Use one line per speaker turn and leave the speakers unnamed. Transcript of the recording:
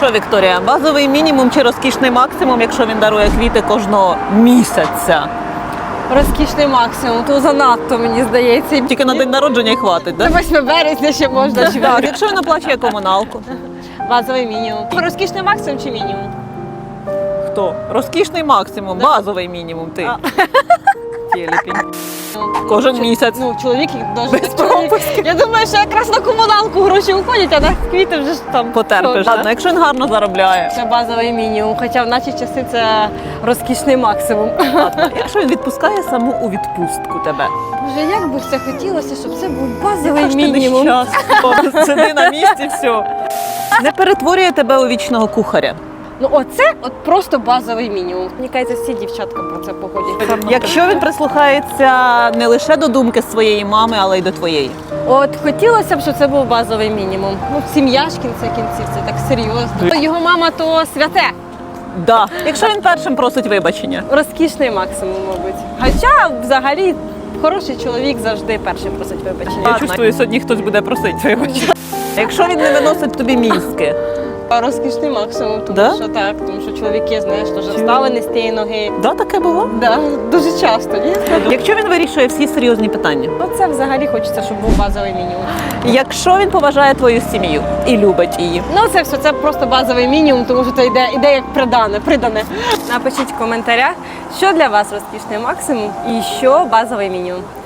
Що, Вікторія, базовий мінімум чи розкішний максимум, якщо він дарує квіти кожного місяця?
Розкішний максимум, то занадто, мені здається.
Тільки на день народження й хватить,
До
так?
8 березня ще можна.
Так, якщо він оплачує комуналку.
Базовий мінімум. Розкішний максимум чи мінімум?
Хто? Розкішний максимум, базовий мінімум, ти. Тіліпінь. Кожен місяць.
Ну, чоловік
Без
дуже
пропусків.
Я думаю, що якраз на комуналку гроші уходять, а на квіти вже ж там
Потерпиш.
що,
Ладно, якщо він гарно заробляє.
Це базовий мінімум, хоча в наші часи це розкішний максимум.
Ладно, якщо він відпускає саму у відпустку тебе.
Боже, як би все хотілося, щоб це був базовий
Яка ж ти
мінімум.
нещасна, сиди на місці, все. Не перетворює тебе у вічного кухаря.
Ну оце от просто базовий мінімум. Мені кажеться, всі дівчатка про це походять.
Якщо він прислухається не лише до думки своєї мами, але й до твоєї.
От хотілося б, щоб це був базовий мінімум. Ну, сім'я ж кінця кінців, це так серйозно. Його мама то святе.
Да. Якщо він першим просить вибачення.
Розкішний максимум, мабуть. Хоча взагалі хороший чоловік завжди першим просить вибачення.
Я чувствую, сьогодні хтось буде просити вибачення. Якщо він не виносить тобі мізки.
Розкішний максимум, тому
Да?
що так, тому що чоловіки, знаєш, теж встали не з тієї ноги.
Да, таке було?
Да, дуже часто, ні?
Якщо він вирішує всі серйозні питання.
Оце взагалі хочеться, щоб був базовий мінімум.
Якщо він поважає твою сім'ю і любить її.
Ну це все, це просто базовий мінімум, тому що це йде як придане. Напишіть в коментарях, що для вас розкішний максимум і що базовий мінімум.